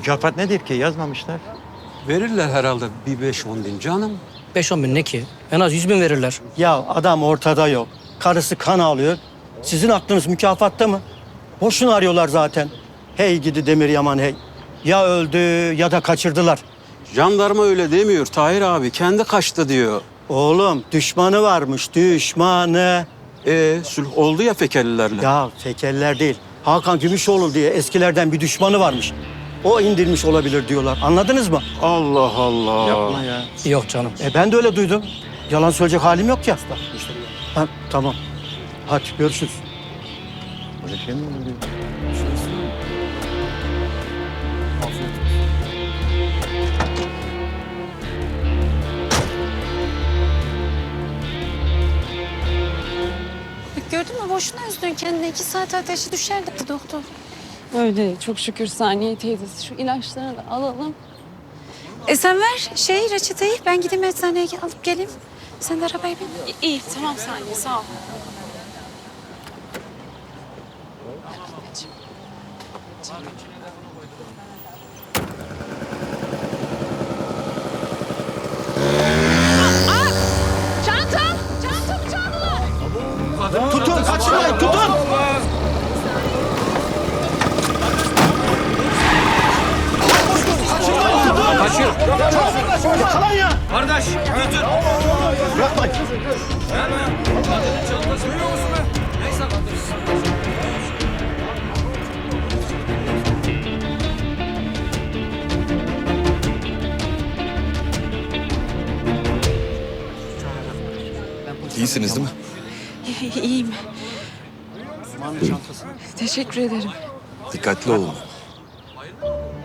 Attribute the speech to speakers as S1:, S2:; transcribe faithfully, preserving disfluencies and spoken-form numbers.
S1: Mükafat nedir ki? Yazmamışlar.
S2: Verirler herhalde bir beş on bin canım.
S3: Beş on bin ne ki? En az yüz bin verirler.
S4: Ya adam ortada yok. Karısı kan ağlıyor. Sizin aklınız mükafatta mı? Boşuna arıyorlar zaten. Hey gidi Demir Yaman hey. Ya öldü ya da kaçırdılar.
S2: Jandarma öyle demiyor Tahir abi. Kendi kaçtı diyor.
S4: Oğlum düşmanı varmış düşmanı.
S2: Ee, sulh oldu ya Fekelilerle.
S4: Ya fekeller değil. Hakan Gümüşoğlu diye eskilerden bir düşmanı varmış. O indirmiş olabilir diyorlar. Anladınız mı?
S2: Allah Allah.
S1: Yapma ya.
S3: Yok canım.
S4: E ben de öyle duydum. Yalan söyleyecek halim yok ya. Ha, tamam. Hadi görüşürüz.
S1: Böyle şey mi oluyor?
S5: Bak gördün mü boşuna üzdün kendine. İki saat ateşi düşer dedi doktor.
S6: Öyle çok şükür Saniye teyzesi. Şu ilaçları da alalım.
S5: E sen ver şey reçeteyi. Ben gideyim eczaneye alıp geleyim. Sen de arabaya bin.
S6: İyi tamam Saniye sağ ol.
S5: Çantam! Çantamı çaldılar.
S4: Tutun kaçırmayın tutun.
S2: Kaçıyor.
S4: Yakalan ya.
S2: Kardeş götür.
S4: Bırakmayın.
S2: Çantası duyuyor musun be? Neyse.
S7: İyisiniz değil mi?
S6: İyiyim. Teşekkür ederim.
S7: Dikkatli olun.